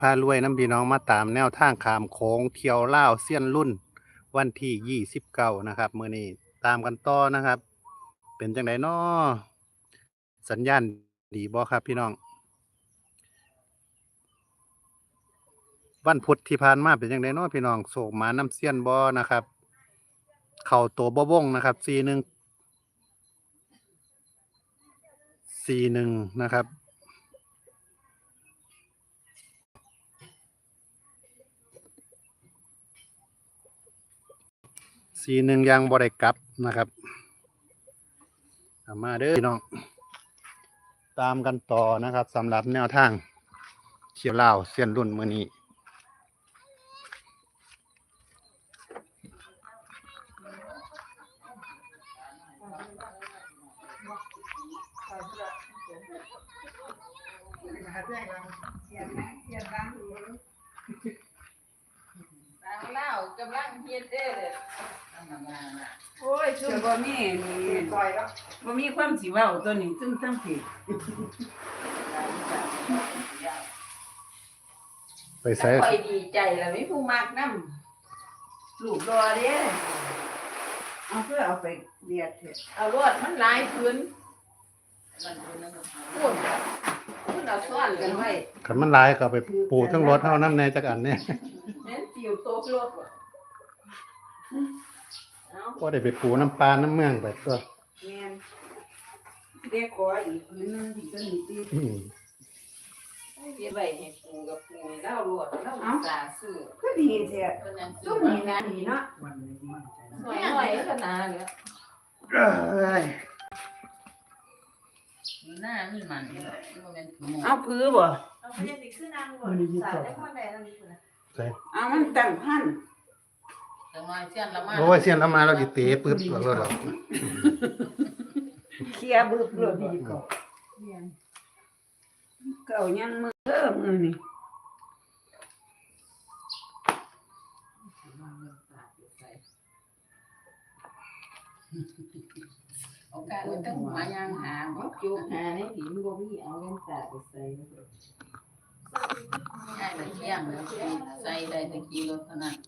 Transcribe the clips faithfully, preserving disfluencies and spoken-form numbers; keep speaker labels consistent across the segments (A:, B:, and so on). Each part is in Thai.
A: พารวยน้ำพี่น้องมาตามแนวทางขามโค้งเที่ยวลาวเซียนรุ่นวันที่ยี่สิบเก้านะครับมื้อนี้ตามกันต่อนะครับ เป็นจังไดน้อสัญญาณดีบ่ครับพี่น้อง วันพุธที่ผ่านมาเป็นจังไดน้อพี่น้องโศกหมาน้ำเซียนบ่นะครับ เข้าตัวบ่วงนะครับสี่หนึ่ง สี่หนึ่งนะครับสี่หนึ่งยังบ่ได้กลับนะครับเอามาเด้อพี่น้อง ตามกันต่อนะครับสำหรับแนวทางเที่ยวลาวเซียนรุ่นมื้อนี้
B: เล่ากำลังเฮ็ดเด้อโอ้ยซุ่มบ่มีนี่บ่มีความสิเว้าตัวนี้ซึ่งทั้งผิด
A: ไปใส่
B: ค่อยดีใจแล้วมีผู้มักนำลูกรอเด้เอาเพื่อเอาไปเรียดเถอะเอารวดมันหลายพื้นพูดพูดเอาซ่อนกันไว้
A: คันมันหลายก็เอาไปปูทั้งรถเฮานำแน่จักอันเนี่ย
B: แม่นติวโตกรถบ่เอา
A: ก็ได้ไปปูน้ำปลาน้ำเมืองไปตัว
B: แม่นเด็กขออีกพื้นนึงที่ตัวนี้ติ
A: อืม
B: เดี๋ยวไปให้ปูกับปูเล่าลวดเล่าสาสื่อ
C: ก็ดีแท้
B: เพราะนั้น
C: ก็มีนะดีเนาะ
B: หน่อยหน่อยขนาดเนี้ย
A: เอ้ย
B: หน้ามันมันมันเป็นถุง
C: เอาพื้นบ่
D: เอาไปเรียนอีกคือนางบ่สาวได้คนใดนั่นนี่พุ่นน่ะ
A: ใส่
C: เอามันตั้งพัน
B: แต่มาเส้นละมา
A: โอ้ยเสียนเอามาเราสิเตะปึ๊บแล้วก็เรา
C: เคลียร์บึบเลยดีกว่าเก่ายังมือเริ่มมือนี่
B: โอกาสต้องหายางหาบ่จุกหาในหินบ่มีเอาเงินตาไปใส่ใช่แต่เที่ยงแล้วใส่ได้ตะกี้รถเท่านั้น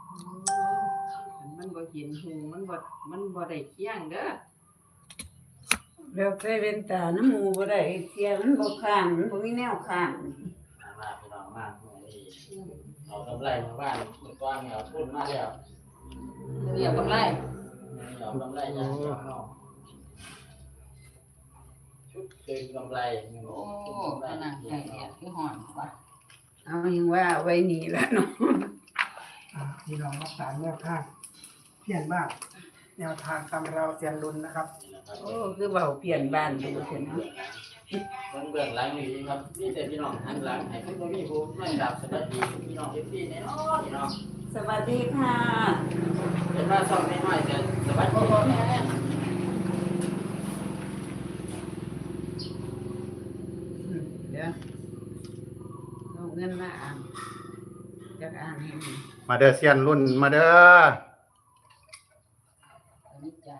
B: มันบ่เห็นหูมันบ่มันบ่ได้เที่ยงเด้อ
C: แล้วใส่เว้นตาน้ำมูบ่ได้เคลียร์มันบ่ข้างมันบ่มีแนวข้าง
E: มาพี่น้องมากเอากำไรมาบ้านเมื่อก่อนเนี่ยพูดมาแล้ว
B: เรียกกำไร
E: เอากำไรจากเจ้าน้องชุดคืนกำไร
B: โอ้ขนาดใหญ่เนี่ยคือหอนกว่า
C: เอายังว่าไว้นี่ละเนาะ
F: พี่น้องมาตามแนวทางเพี้ยนบ้านแนวทางตำเราเซียนรุนนะครับ
C: โอ้คือเว้าเปลี่ยนบ้านไปเถอะเนาะ
E: มันเบื้องหลังนี่ครับนี่แต่พี่น้องหันหลังให้คุณบ่มีผู้ไม่รับสวัสดีพี่น้องเอฟซีแน่นอนพี่น้อง
C: สวัสดีค่ะ
E: เป็นว่าซ่อมน้อยๆแต่สวัสดีพ่อแม่
C: อืมเดี๋ยวเอาเงินมาอ่านจักอ่านให้มัน
A: มาเด้อเซียนรุ่นมาเด้อ
B: อันนี้จ่าย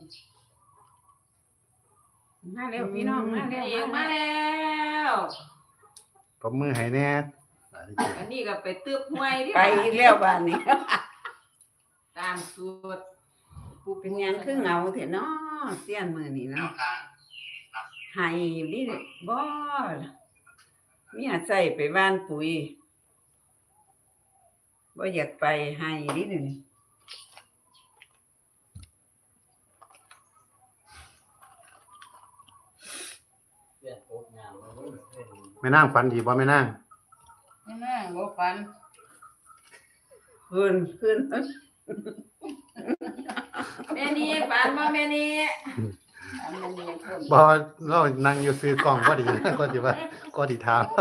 C: มาเร็วพี่น้องมาเร็ว
B: เองมาแล้ว
A: ตบมือให้แน่
B: อันนี้ก็ไปตึบห้วยดิ
C: ไปอีกแล้วบ้านนี้
B: ตามสูตร
C: ปูเป็นหยังคือเหงาเถอะเนาะเสี้ยนมือนี่เนาะให้ดิบ่มีอาใส่ไปบ้านปุ๋ยบ่อยากไปให้ดิหนึ่ง
E: เพื่อนโอ๊กงามเลย
A: แม่นางฝันดีบ่แม่นาง
B: นี่แม่บ่ฟัน
C: ขึ้นขึ้น
B: แม่นี่ฟันบ่แม่นี่ฟันแม่นี่คน
A: บ่เรานั่งอยู่ซื้อกล้องพอดี ก็สิว่าก็สิถามเรา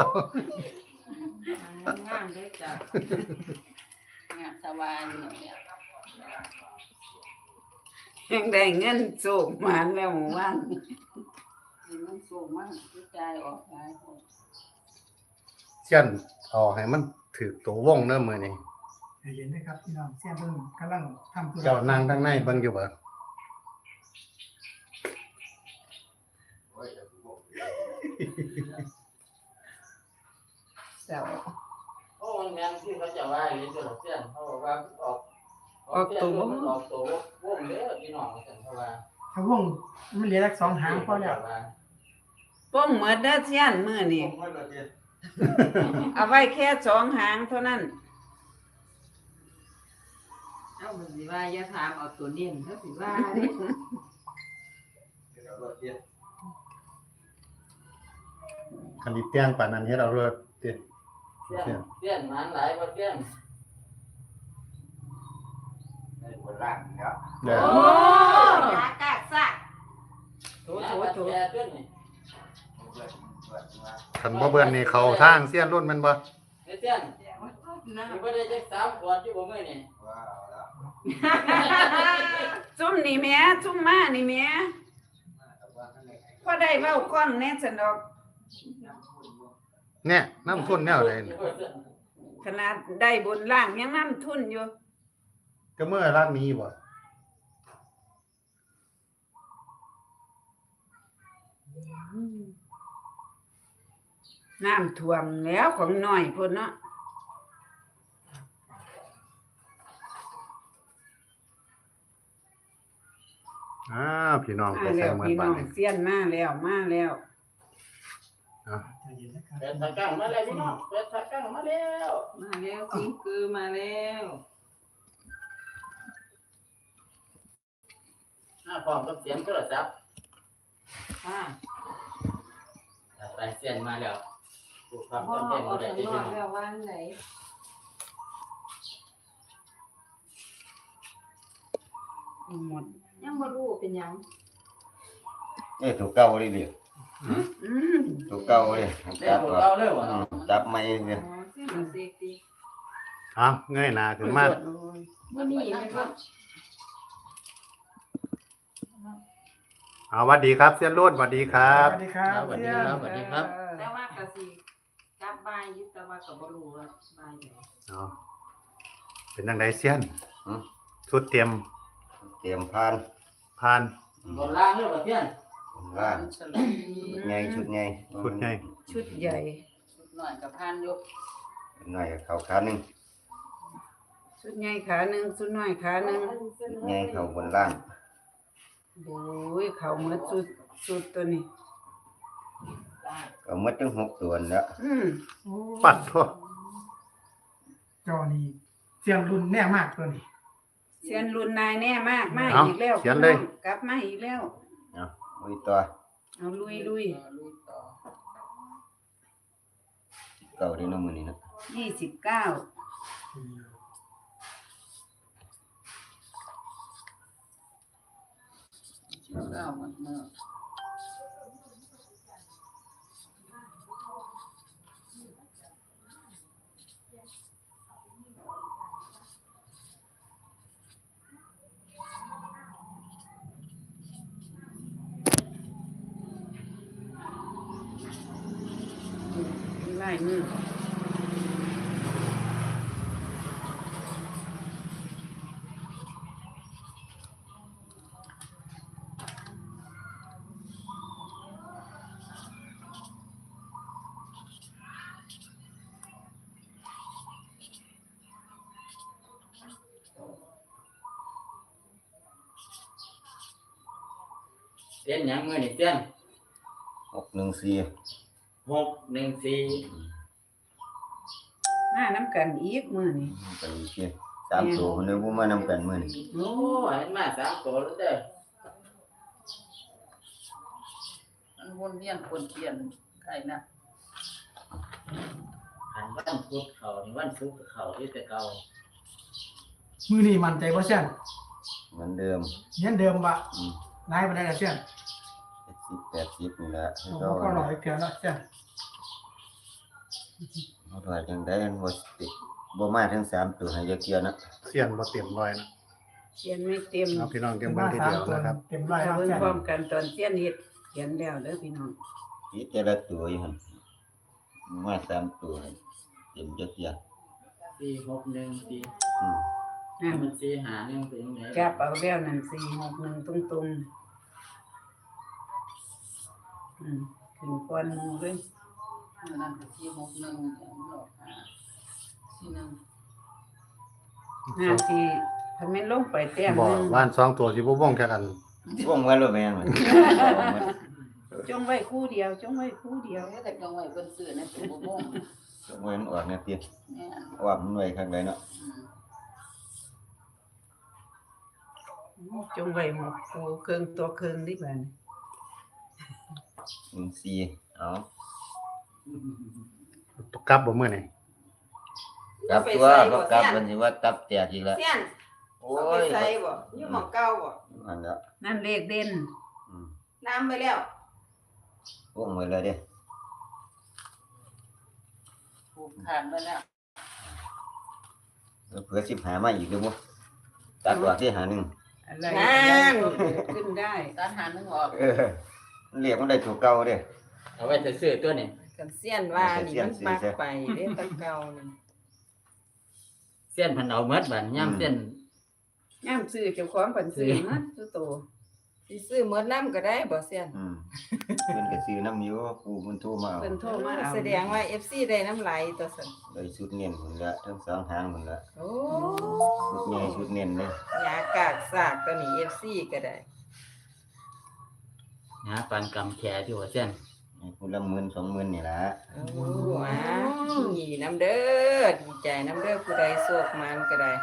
B: งามเด้อจ้ะงามสบายอยู่เนี่ย
C: ยังได้เงินโศกหมานแล้วหมู่บ้าน
B: มันสูงมากกระจายออกหลายคน
A: เซียนเอาให้มันถือตัววงเด้อมื้อนี้
F: ใจเย็นนะครับพี่น้องเซียนรุ่นกำลังทำธุระ
A: เจ้านั่งข้างในเบิ่งอยู่บ่
C: เศร้า
E: มันแม่นที่เขาจะว่าอยู่ตัวเสี้ยนเขาบอกว่าออกออกตัวออกตัววงเด้อพี่น้องเสี้ยนเพราะว่า
F: ถ้าวงมันเหลือสักสองหางพอแล้ว
C: ป้งเหมือนเด้อเสี้ยนมื้อนี่เอาไว้แค่สองหางเท่านั้น
B: เอามันสิว่าอย่าถามเอาตัวเน้นเฮาสิว่าเด้
A: คันดิแต้งปานนั้นเฮ็ดเอาเลิศติ
E: เสี้ยนเสี้ยนมันหลายบ่เสี้ยน
A: เด้
D: โอ้
A: อย
D: ากากซะ
C: โถโถโถ
E: แย่ขึ้นนี่
A: คันบ่เบิ่นนี่เขาทางเสี้ยนรุ่นแม่นบ่
E: เสี้ยนนี่บ่ได้จักสามขวดอยู่บ่มื้อนี่
C: ซุ่มนี่แหม่ซุ่มมานี่แหม่พอได้เว้าก้อนแน่ซั่นดอก
A: เนี่ยน้ำทุนแนวใดนี่
C: ขนาดได้บนล่างยังน้ำทุนอยู่
A: ก็เมื่อรักนี้บ่
C: น้ำท่วมแล้วของน้อยพุ่นเนาะ
A: อ้าวพี่น้องไป
C: มา
A: ใส่
C: แล้ว
A: เมื่อ
C: พี่
A: บั
C: น้
A: ด
C: อง
A: นี้
C: เสี้ยนมาแล้วมาแล้ว
A: อ่ะ
E: เปิดตะกั่งมาแล้วพี่น้องเปิดตะกั่งมาแล้ว
B: มาแล้วสิงคือมาแล้ว
E: หน้าพร้อมกับเสียงโทรศัพท์
B: ค่ะ
E: ไปเสียนมาแล้วผู้ความ
B: พ่อ
E: จำเป็น
B: ออ
E: บ่
B: ก
E: ได้
B: ข้าง
E: ที่
B: น
E: พี่
B: อก
E: น้อง
B: แล้ววันไหน
C: หมด
D: ยังบ่รู้เป็นหยัง
G: นี่ถูกเก้าเลยดิ
C: อืม
G: ถูกเก้าเลย
E: ได้
G: จับ
E: ผู้
G: ก่อน
E: เก่าเลยว่ะ
G: อืมจับไม่เนี่ย
B: อ๋อเส้นมันเสกติ
A: เอาเงยหน้าขึ้นมา
B: บ่มีไหมครับ
A: เอาหวัดดีครับเสี้ยนรุ่นหวัดดีครับ
F: สวัสดีครับ
E: สวัสดี
F: เสี้ย
E: คน รับสวัสดีครับ
B: แต่ว่าก็สิกลับบ้านอยู่แต่ว่าก็บ่รู้ว่าบ้านไหน
A: เอาเป็นจังไดเสี้ยน
G: อืม
A: ชุดเตรียม
G: เตรียมพาน
A: ผ่าน
E: บนล่างเลยว่ะเสียน
G: ล่าง
B: ฉลอง
G: ใหญ่ชุดใหญ่
A: ชุดใหญ่
C: ชุดใหญ่
B: ชุดน้อยกับพานอยู่
G: หน่อยเข่าขาหนึ่ง
C: ชุดใหญ่ขาหนึ่งชุดน้อยขาหนึ่ง
G: ใหญ่เข่าบนล่าง
C: โอ้ยเขาเหมือนชุดชุดตัวนี้
G: ก็หมดทั้งหกตัวแล้ว
C: อืม
F: โอ้
A: ปัดทั่ว
F: จอนี่เสียงรุ่นแน่มากตัวนี้
C: เสียนรุ่นนายแน่มากมา
A: เอา
C: อีกแล้ว
A: เขียนเลย
C: พี่น้องกลับมาอีกแล้ว
G: เนาะอุ้ยตัว
C: เอาลุยลุย
B: ลุยต่อ
G: เก่าที่น้ำมือนี่นะ
C: ยี่สิบเก้า
B: เก้ามันเมื่อ
C: ไล่มือ
E: เสียนหยังมื้อนี่เสียน
G: หกหนึ่งสี่
E: หกหนึ่งสี่
C: มาน้ำกันอีกมือนี่
G: ไปอีกทีสามตัวคนนึงผมมานำกันมือนี่
E: โอ้เห็นมาสามตัวแล้วเด้อ
B: มันวนเวียนคนเขียนใครนะ
E: หันวันพุธเขานี่วันศุกร์ก็เขาที่แต่เก่า
F: มือนี่มั่นใจว่าเสี้ยน
G: เหมือนเดิม
F: เยันเดิมวะ
G: อืม
F: นายมาได้แล้วเสี้ยน
G: สิบแปดสิบนี่แหละ
F: โอ้โหก็หล่อยเกินแล้วเสี้ยน
G: เขาถอยจังได้บ่ติบ่มาทั้งสามตัวให้ยักเกียนะ
A: เสี้ยนบ่เตรียมร้อยนะ
C: เขียนไม่เต็ม
A: เอาพี่น้องเตรียม
F: เต็ม
A: เบิ่
F: บ้าง
A: ที
F: สาม
A: เดียว
F: ตัว
A: นะครับ
F: เต็มร้อย
C: เรา
F: แล้ว
C: เบิ่ง
F: เสี้ยน
C: พร้อมกันตอนเขียนเฮ็ดเขียนแล้วเด้อพี่น้อง
G: อีแต่ละตัวอยู่หั่นมาสามตัวให้เต็มยักเกีย
E: สี่หกหนึ่งสี่
G: อืม
C: นั่น
E: มันสี่หาหนึ่งเป็นยังไง
C: จับเอาแล้วนั่นสี่หกหนึ่งตรงตรงๆอืมขึ้นก้อนหมูเลย
B: นั่นก็ที่หกหนึ่งหลอกหา
C: ส
B: ที่นั่น
C: ห้าทีถ้าแม่นลงไปแต้ม
A: บ่
C: หนึง
A: ว่านสองตัวสิบ่วงแค่กัน
G: วงไว้แล้วแม่นมัน
C: จงไว้คู่เดียวจงไว้คู่เดียว
B: เดี๋ยวแต่กลางไว้เพิ่นซื้อนะเป็นบ่ม่วง
G: วงไว้มันออกแน่ติ
B: แม่น
G: ว่ามันไว้ข้างใดเนาะ
C: จงไว้หมกคู่เครื่องตัวเครื่องดิบัด
G: หนึ่งสี่เอา
A: ตกกลับบ่มื้อนี้
G: กลับตัวก็กลับมันสิว่าตับแตกอีกแล้ว
C: เสี้ยน
G: โอ้
C: เอาไป
G: ย
C: ใส่บ่อยู่หม้องเก่าบ่
G: อันแล้ว
C: นั่นเลขเด่น
G: อืม
C: น้ำไปแล้ว
G: วงไว้เลยเด้
B: ผูกขาดไว้แล้ว
G: เผื่อสิบหามาอีกดูบ่ตัดตัวที่หาหนึ่ง
C: อะไรนั่นขึ้นได้
B: ตัดหานึงออก
G: เออมันเรียกมันได้ถูกเก่าเด้
E: เอาไว้ซื้อตัวนี้
C: กันเสี้ยนว่านี่มันมักไปเด้ตะเก่านี่
E: เส้นพันเอาเมดบัดย่ำเส้น
C: ย่ามซื้อเจ้าของเพิ่นซื้อมาสุโตสิซื้อหมดน้ำก็ได้บ่เสี้ยน
G: อืมเพิ่นก็ซื้อน้ำอยู่ปูมันโทรมาเอา
C: เพิ่นโทรมาเอาแสดงว่า เอฟ ซี ได้น้ำไหลตัวซั่น
G: ได้ชุดเน้นพุ่นละทั้งสองทางพุ่นละ
C: โอ้
G: ชุดใหญ่ชุดเน้นเลย
C: ยากากซากตัวนี้ เอฟ ซี ก็ได้
E: หาปันกำแขที่หัวเส้น
G: ให้พุ่นละหมื่นสองหมื่นนี่ล่ะ
C: โอ้อ่ะดีน้ำเด้อดีใจน้ำเด้อผู้ใดโชคมันก็ได้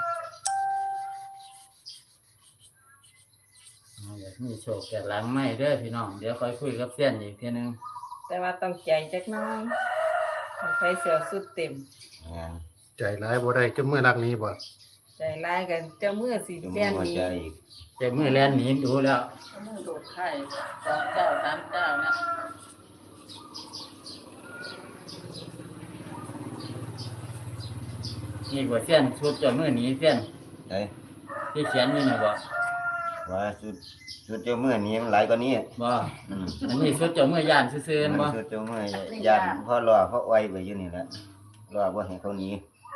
E: เอาแบบมีโชคแก่หลังไม่เด้อพี่น้องเดี๋ยวค่อยคุยกับเส้นอีกทีนึง
C: แต่ว่าต้องใจจักหน้อยใส่เสื้อสุดเต็ม
G: งาน
A: ใจร้ายบ่ได้จนมื้อรักนี้บ่
C: ใจร้ายกันเจ้ามือสิ
G: จะ
C: แจ้
G: มาง หัว
C: นี้
G: ใจอีก
E: แต่มือแล่นหนีดูแล้ว
B: เอามือโดดไข่สองเจ้าสามเจ้านะ
E: นี่กว่าเส้นชุดจะมือหนีเส้น
G: ได้
E: ที่เขียนอยู่นี่บ่
G: ว่าชุดชุดเจ้ามือนี้มันหลายกว่านี้
E: บ่
G: อืม
E: อันนี้ชุดจะมือย่านซื่อๆ
G: มัน
E: บ่
G: ชุดเจ้ามือยานพ่อรอพ่อไว้ไปอยู่นี่แหละรอบ่ให้เขาหนี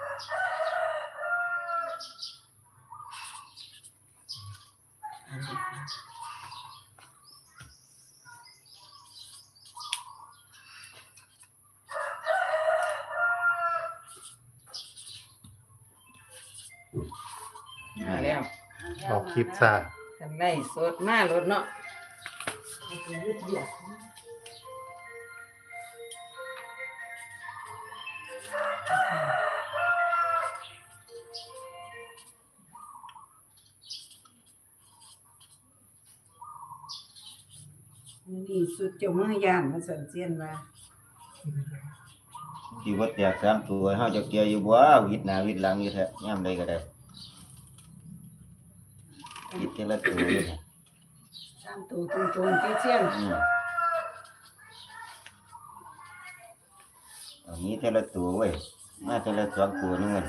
C: มาแล้ว
A: ออกคลิปซะ
C: กันได้สดมารถเนาะ นี่สุดเจ้ามือย่านมาสั่นเสียนว่า
G: ที่ว่าแตกสามตัวเฮาจะเกียอยู่บ่วิดหน้าวิดหลังอยู่แท้ยามใดก็ได้วิดแต่ละตัวเลยเนี่ย
C: ตามตัวตรงๆที่เสียน
G: อืมอันนี้แต่ละตัวเว้ยมาแต่ละสองตัวนึงมัน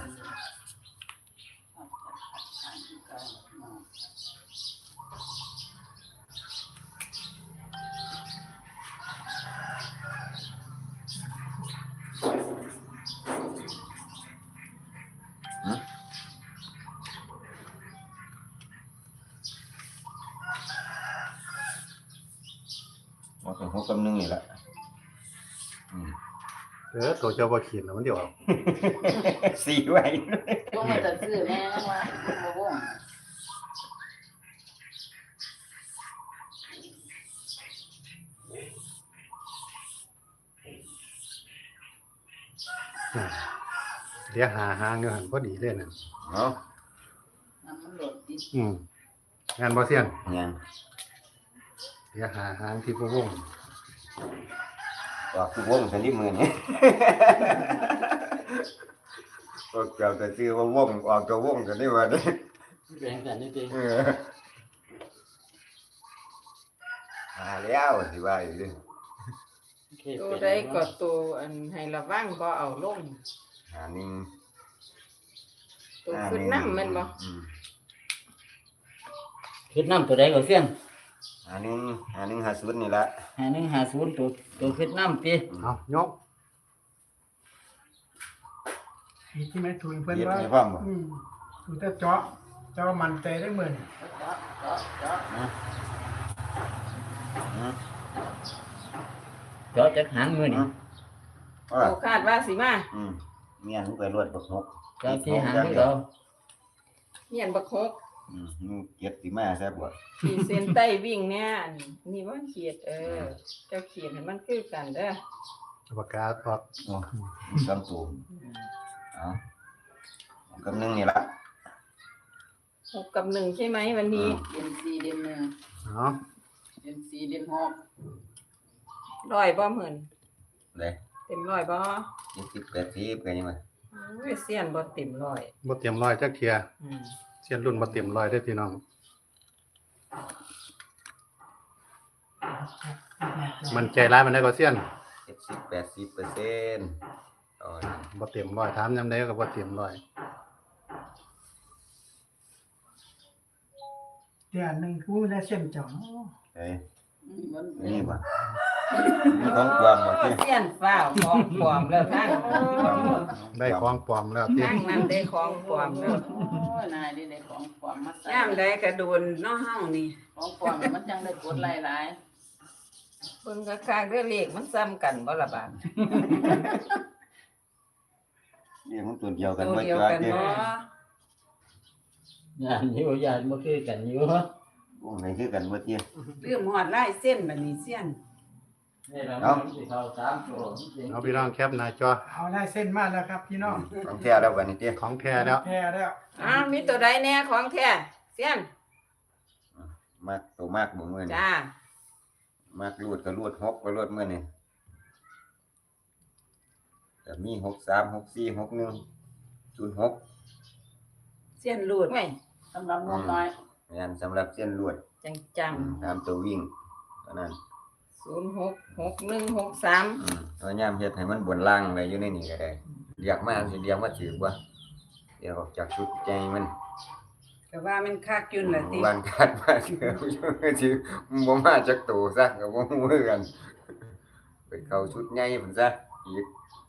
G: ว่าเป็นหกกับหนึ่งนี่แหละอืม
A: เออตัวเจ้าบ่ขีดแล้วมันเดี๋ยวออก
G: สี่ไว้
B: ต้องมาจะซื้อแม่นะว่าบ่ม่วง
A: อ่าเดี๋ยวหาหางอยู่หั่นพอดีเลยนั่น
G: เนาะ
B: น้ำมันหลดดิ
A: อืมงานบ่เซียน
G: งาน
A: เดี๋ยวหาหางที่บ่วง
G: ว่าคือวงสันนิมือนี่ ก็เกี่ยวแต่ชื่อว่าวงออกตัววงกันได้ว่าเด้
E: แบ่งกันนี่ติ
G: เออหาแล้วสิว่าอยู่ดิ
C: ตัวใดก็ตัวอันให้ระวังบ่เอาลง
G: หาหนึ่ง
C: ตัวขึ้นน้ำแมันบ่
G: อืม
E: ชุดน้ำตัวใดก็เส้น
G: หาหนึ่งหาหนึ่งหาศูนย์นี่ละ
E: หาหนึ่งหาศูนย์ตัวตัวชุดน้ำติ
A: เอายก
F: มีที่ไหมทุนเพิ่น
G: เย็บ
F: ว่า
G: ให้พร้อมบ่
F: อืมถูกแต่เจาะเจาะมันใจได้เหมือน
B: เจาะเจาะเจาะ
G: อืม
E: เจาะจากหางมือนี่
G: อ่า
C: ตัวคาดว่าสิมา
G: อืมเมียนไปรวดบักหก
E: จากที่หางที่เรา
C: เมียนบักฮก
G: อืมนูเก็บสิมาซะบ่
C: ขีดเส้นใต้วิ่งเนี่ยนี่ว่าขีดเออ เจ้าขีดให้มันคือกันเด้อ
A: ปากกาออก
G: โอ้สามตัวเอากำนึงนี่ละ
C: หกกับหนึ่งใช่ไหมวันนี้
B: เดือนสี่เดือนหนึ่ง
A: เนาะ
B: เดือนสี่เดือนหก
C: ร้อยบ่เหมือน
G: เลย
C: เต็มร้อยบ่
G: ยี่สิบแปดสิบกันยังไง
C: อุ้ยเสียนบ่เต็มร้อย
A: บ่เตรียมร้อยจักเทีย
C: อืม
A: เสี้ยนรุ่นบ่เตรียมร้อยเด้อพี่น้อง มันใจร้ายมันได้ก็เสี้ยน
G: เจ็ดสิบแปดสิบเปอร์เซ็นต์ต่อนะ
A: บ่เตรียมร้อยถามยามใดก็บ่เตรียมร้อย
F: เดือนหนึ่งกูไม่ได้เส้นจ่อง
G: เฮ้ย
B: มัน
G: นี่บ่มีของความบ่ที่
C: เสียนฟ้าวของปลอมแล้วท่าน
A: ได้ของปลอมแล้วติ
C: นั่งนั้นได้ของปลอมแล้ว
B: โอ้ยนายได้ได้ของปลอมมาใส่
C: ย่ามใดกระโดนเนาะเฮานี่
B: ของปลอมมันจังได้กดหลาย
C: เบิ่งกะคางเด้อเลขมันซ้ำกันบ่ล่ะบาด
G: เรียกมันตัวเดียวกัน
C: ตัว
G: บ่
C: เดียว
G: จ้า
C: กัน
G: เด้
C: บ่
E: งานอยู่ยานบ่คือกันอยู่
G: วงไหนคือกันบ่เตี้ย
C: ลืมฮอดลายเส้นบัดนี้เสียน
E: นี่เราไม่สิเข้าสามตัว
A: เอาพี่น้องแคปหน้าจอ
F: เอาได้เส้นมาแล้วครับพี่น้อง
G: ของแท้แล้วบัดนี้เตี้ย
A: ของแท้แล้ว
F: แพ้แล้ว
C: อ้าวมีตัวใดแน่ของแท้เสียน
G: มากตัวมากบ่มื้อนี้
C: จ้าม
G: ากรูดก็รูดหกก็รูดมื้อนี้แต่มีหกสาม หกสี่ หกหนึ่ง ศูนย์หก
C: เสียนรูดไว้
B: ๆสำหรับงบน้อย
G: แม่นสำหรับเส้นลวด
C: จังจัง
G: อืมตามตัววิ่งเท่านั้น
C: ศูนย์หก หกหนึ่ง หกสาม
G: อืมพยายามเฮ็ดให้มันบนล่างไว้อยู่ในนี้ก็ได้เรียกมาสิเรียกมาถือบ่เดี๋ยวออกจากชุดใจมัน
C: ก็ว่ามันคักอยู่น่ะติ
G: วันคาดมาเถือสิบ่มาจากตัวซะก็บ่ฮู้คือกันไปเข้าชุดใหญ่พุ่นซะอีก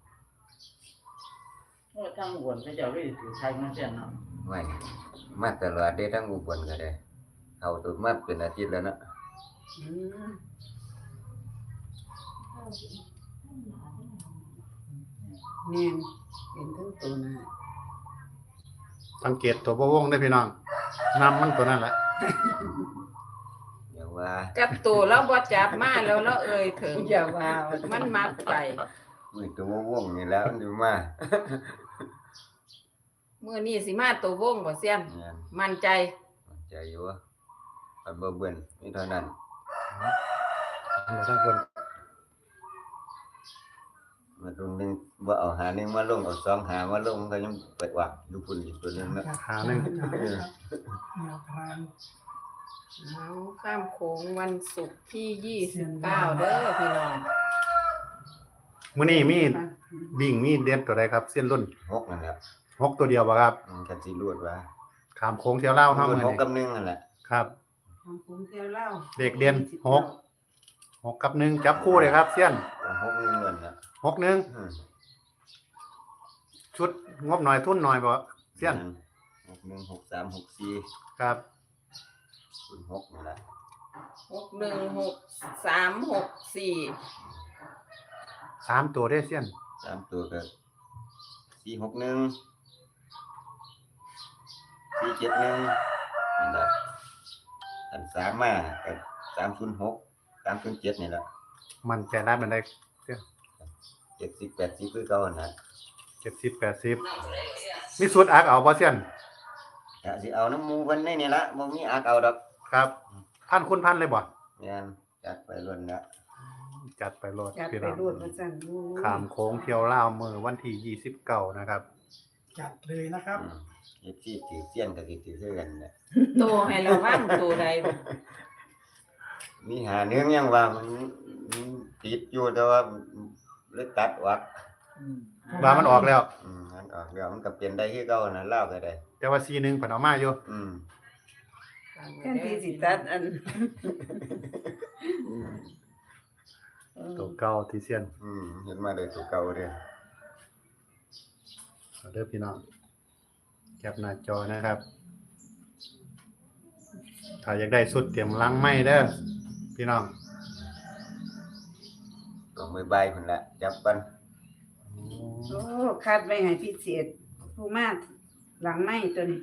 E: โอ้ทางบนเขาเจ้าได้ถือไทยมาเสียนเนาะ
G: ไว้มาตลอดเด้ทั้งอุบลก็ได้เข้าตัวมาเป็นอาทิตย์แล้วเนาะ
C: อืมแม่นเป็นทั้งตัวน่ะ
A: สังเกตตัวบ่วงได้อพี่น้องนำมันตัวนั้นแหละ
G: เดี๋ยวว่า
C: จับตัวแล้วบ่จับมาแล้วแล้วเอ่ยถึงอย่าว่ามันมักไป
G: มื้อตัววงนี่แล้วมันอยู่มา
C: มื้อนี้สิมาตัววงบ่เสียน
G: เนี่ย
C: มั่นใจ
G: ใจอยู่ว่าอันบ่เบิ่นมีเท่านั้น
A: เอาทั้งคน
G: มาตรงนึงบ่เอาหานึงมาลงเอาสองหามาลงมันก็ยังเปิดวักอยู่พุ่นอีกตัวนึงเนาะ
A: หาหนึง
F: แนวทาง
C: เอาข้ามโขงวันศุกร์ที่ยี่สิบเก้าเด้อพี่น้อง
A: มื้อนี้มีวิ่งมีเด็ดตัวใดครับเส้นรุ่น
G: หกนั่นแหละ
A: หกตัวเดียวบ่ครับ
G: มันกันสิรวดว่า
A: ขามโค้งเที่ยวเล่าวเฮา
G: รูด
A: มื้อ
G: หก
A: นี้
G: กับหนึ่งนั่นแหละ
A: ครับ
C: ข้ามโขงเที่ยวเล่า
A: เด็กเรียนหก หกกับหนึ่งจับคู่เลยครับเสี้ยน
G: หกหนึ่งเงินน่ะ
A: หกหนึ่ง
G: อืม
A: ชุดงบหน่อยทุนหน่อยบ่เสี้ยน
G: หกหนึ่งหกสามหกสี่
A: ครับ
G: ศูนย์หกนั่นแหละ
C: หกหนึ่งหกสามหกสี่
A: สามตัวได้เสี้ยน
G: สามตัวก็สี่หกหนึ่งสี่เจ็ดหนึ่งนั่นแหละอันสามมาก็สามศูนย์หกสามศูนย์เจ็ดนี่แหละ
A: มันใจร้ายมันได้เสี้ยน
G: เจ็ดสิบแปดสิบคือเก่าหั่นน่ะ
A: เจ็ดสิบแปดสิบมีสูตรอักเอาบ่เสี้ยน
G: ก็สิเอาน้ำหมูเพิ่นในนี่ละบ่มีอักเอาดอก
A: ครับพันคุณพันเลยบ่
G: แม่นจัดไปล้นละ
A: จัดไปโลด
C: จัด
A: พี่
C: ไป
A: น้อง
C: รูดมาสั่นดู
A: ขามโค้งเที่ยวล่าวมือวันที่ยี่สิบเก้านะครับ
F: จัดเลยนะครับ
G: อืมเฮ็ดที่ถือเสี้ยนก็สิถือคือกันน่ะ
C: โตให้ระวังตัวใดบ่
G: มีหาเนื้อยังว่ามันมันติดอยู่แต่ว่าเลยตัดออก
C: อืม
A: ว่ามันออกแล้ว
G: อืมมันออกแล้วมันก็เปลี่ยนได้คือเก่าน่ะลาวก็ได้
A: แต่ว่าซีหนึ่งเพิ่นเอามาอยู่
G: อืม
C: แทนที่สิตัดอัน
A: ตัวเก่าที่เสี้ยน
G: อืมเห็นมาได้ตัวเก่าเด้อ
A: เอาเด้อพี่น้องแคปหน้าจอนะครับ ถ้าอยากได้สุดเตรียมลังไม้เด้อพี่น้อง
G: ก็มือใบพุ่นละจับปัน
A: อืม
C: โอ้คัดไว้ให้พิเศษผู้มาหลังไม้ตัวนี้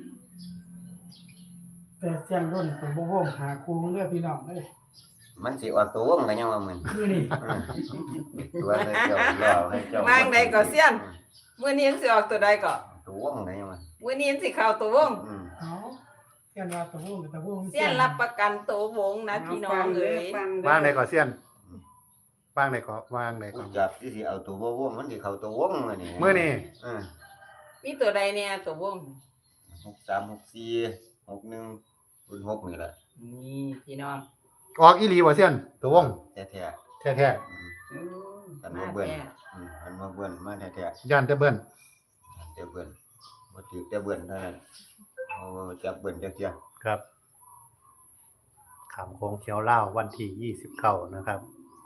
F: แต่เสียงรุ่นผมบ่โฮมหาครูเลือกพี่น้องเลย
G: มันสิออกตัววงกันยังว่ามึน
F: คือนี่
G: ตัวให้เจ้ารอให้เจ้าว
B: างใดก็เสี้ยนมื้อนี้สิออกตัวใดก็
G: ตัววงกันยังว่า
B: มื้อนี้สิเข้าตัววง
G: อืม
F: เอาเสียนว่าตะวงตะวง
B: เสี้ยนรับประกันตัววงนะพี่น้องเอ้ย
C: ฟัง
A: ว่างใดก่อนเสี้ยนว่างใดก่อนว่างใดก่
G: กู
A: อน
G: จับที่สิเอาตัวบ่วงมันสิเข้าตัววงมื้อนี้
A: มื้อนี้
G: อืม
B: มีตัวใดเนี่ยตัววง
G: หกสาม หกสี่ หกหนึ่ง ศูนย์หกนี่แหละ
B: นี่พี่น้อง
A: ออกอีหลีบ่เสี้ยนตัววง
G: แท้
A: แท้
G: ๆอืม
C: โอ้
G: กัน
C: มา
G: มาเบิ่น
C: แท้
G: อืมกันมาเบิ่นมาแท้
A: ๆย่านแต่เบิ้น
G: ๆแต่เบิ่นบ่ถือแต่เบิ่นเท่านั้นเอาจับเบิ่นจักเที่ย
A: ครับขามโค้งเขียวเล่าววันที่ยี่สิบเก้านะครับ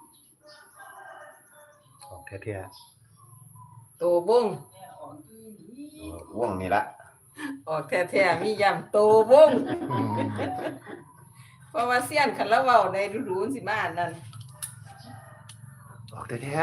A: ออกแท้
B: ตัววง
G: ตัววงนี่ละ
B: ออกแท้ๆมีย้ำตัววง
A: ๆอืม
B: เพราะว่าเสี้ยนคันละเว้าได้รู้ๆสิมาอันนั้น
A: ออกแท้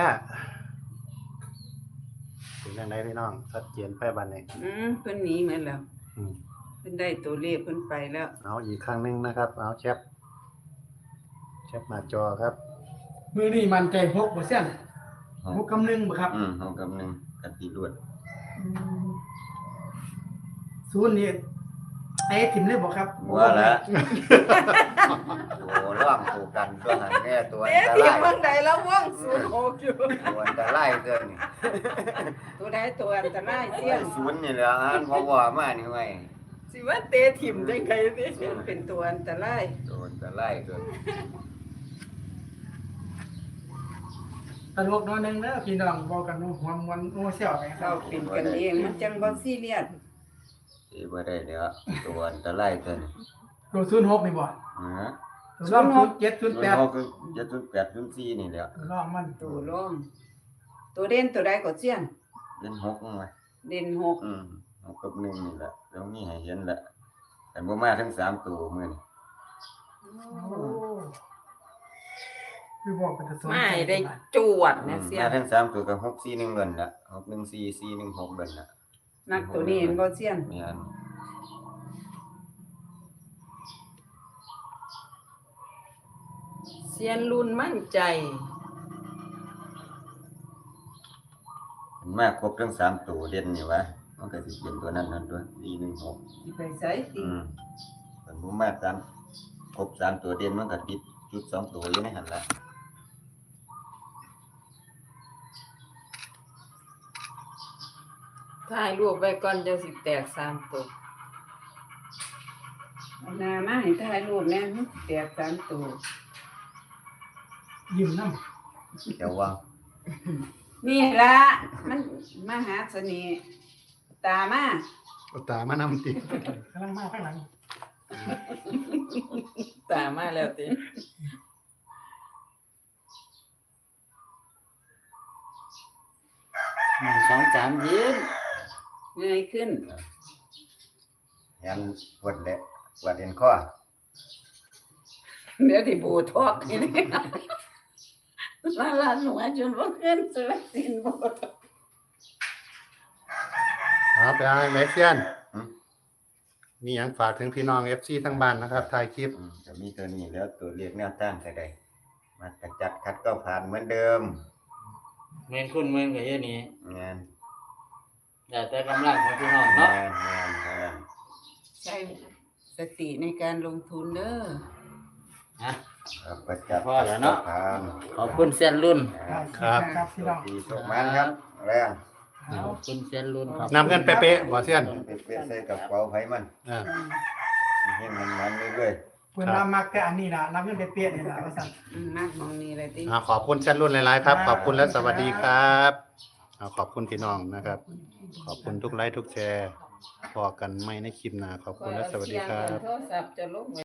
A: ๆเป็นยังไงพี่น้องชัดเจนไปบัดนี้
C: อืมเพิ่นหนีเหมือนแล้ว
A: อืม
C: เพิ่นได้ตัวเลขเพิ่นไปแล้ว
A: เอาอีกครั้งหนึงนะครับ เอาแชปแชปหน้าจอครับ
F: มือนี่มันใจหกบ่เสียน
G: ห
F: ห
G: ก
F: กกำนึงบ่ครับ
G: อืมหกกับหนึ่งกันตีรวด
F: ศูนย์นี่ไอ้ถิ่มเลยบ่ครับ
G: ว่าละตัวร่องตัวกันตัวหันแน่ตัวอั
B: เอ๊ะ
G: นต
B: ที่
G: ราย
B: เมืองใดแล้ววงศูนย์หกอยู่
G: ตัวอันตรายเกินนี่
B: ตัวใดตัวอันตรายเสี้ยน
G: ศูนย์นี่แหละอันเพราะว่ามานี่ไว้
B: สิว่าเตะถิ่มจังไดสิ
C: เพิ่นเป็นตัวอันตราย
G: ตัวอันตรายเกิน
F: ตลกน้อยหนึงเด้อพี่น้องบอกกันหัวมวนโอ้เสี่ยวไปค
C: เรา
F: รับ
C: เป็นกันเองมันจังบ่ซีเรียส
G: ที่บ่ได้เดี๋ยวตัวอันตรายเกิน
F: ตัวศูนย์หกนี่บ่
G: อือ
F: ตัวรองศูนย์เจ็ดศูนย์
G: ตัว
F: แปด
G: เขาคือจะศูนย์แปดศูนย์สี่นี่แหละ
F: ตัวรองมัน
C: ตัวร่องตัวเด่นตัวใดก็เสี้ยน
G: เล่นหกมั้งไหม
C: เด่นหก
G: อืมหกกับหนึ่งนี่แหละแล้วมีให้เห็นแหละแต่บ่มาทั้งสามตัวมื้อนี่
F: โอ้คือบอกเป็นตัว
B: ไม่ได้จวด
G: อื
B: นะ
G: ม
B: เสี้ย
G: มาน ทั้งสามตัวก็หกสี่หนึ่งเบิ่นละหกหนึ่งสี่ สี่หนึ่งหกเบิ่นละ
C: นักตัวนี้เห็นบ่เสี้ยน
G: แม่น
B: เสี้ยนรุ่นมั่นใจ
G: มันมาครบทั้งสามตัวเด่นนี่วะมันก็สิเป็นตัวนั้นนั่นตัวสี่หนึ่งหก
C: สิไปไสติ
G: อืมมันบ่มาสามครบสามตัวเด่นมันก็ติดจุดสองตัวอยู่ในหั่นล่ะ
B: ถ่ายรูปไว้ก่อนจังสิแตกสามตัว
C: เอาหน้ามาให้ถ่ายรูปแน่มันแตกสามตัว
F: ยิ้มน้
G: เดี๋ยวว่า
C: นี่ล่ะมันมาหาเสน่ห์ตามา
A: เอาตามานำติ
F: ำกำลังมาข้างหลัง
B: ตามมาแล้วติ
E: หนึ่งสองสามยิ้ม
C: เงยขึ้น
G: ยันปวดแหละปวดเอ็นคอ
C: เดี๋ยวที่บูทอกนี่นี่ลาลาหนูจนว่าเงินสลักสินบูทอก
A: เอาไปเอาไหนเสี้ยนมีหยังฝากถึงพี่น้อง เอฟ ซี ทั้งบ้านนะครับถ่ายคลิป
G: อืมจะมีตัวนี้แล้วตัวเรียกแนวต้านใส่ได้มาจัดจัดคัดก็ผ่านเหมือนเดิม
E: เงินคุณเงินก็เยอะนี้
G: งาน
E: แต่แต่กำลังของพี่น้อง
G: งา
E: เนาะ
G: นงานเท่านั้น
C: ใช้สติในการลงทุนเด้อ
E: ฮะ
G: ครับประจัด
E: พอแล้วเนาะ
G: ผ่าน
E: ขอบคุณเซียนรุ่น
A: ครับ
F: ครับพี่น้อง
G: ดีสุขมันครับแรง
F: เอา
E: ขอบคุณเซียนรุ่นครับ
A: นำเงินเป๊ะๆบ่เสี้ยน
G: ไปเปลี่ยนใส่กระเป๋าไผมัน
A: อ่า
G: ให้มันมันเรื่อย
F: เพิ่นมามักแต่อันนี้ล่ะรับเงินไปเปียนี่ล่ะว่าซั่น
C: อืมมากมองนี่เลยติ
A: อ่าขอบคุณเส้นรุ่นหลายๆครับ ขอบคุณและสวัสดีครับอ่าขอบคุณพี่น้องนะครับ ขอบคุณทุกไลค์ทุกแชร์พอกันไม่ในคลิปหน้าขอบคุณและสวัสดีครับ
B: โทรศัพท์จะลง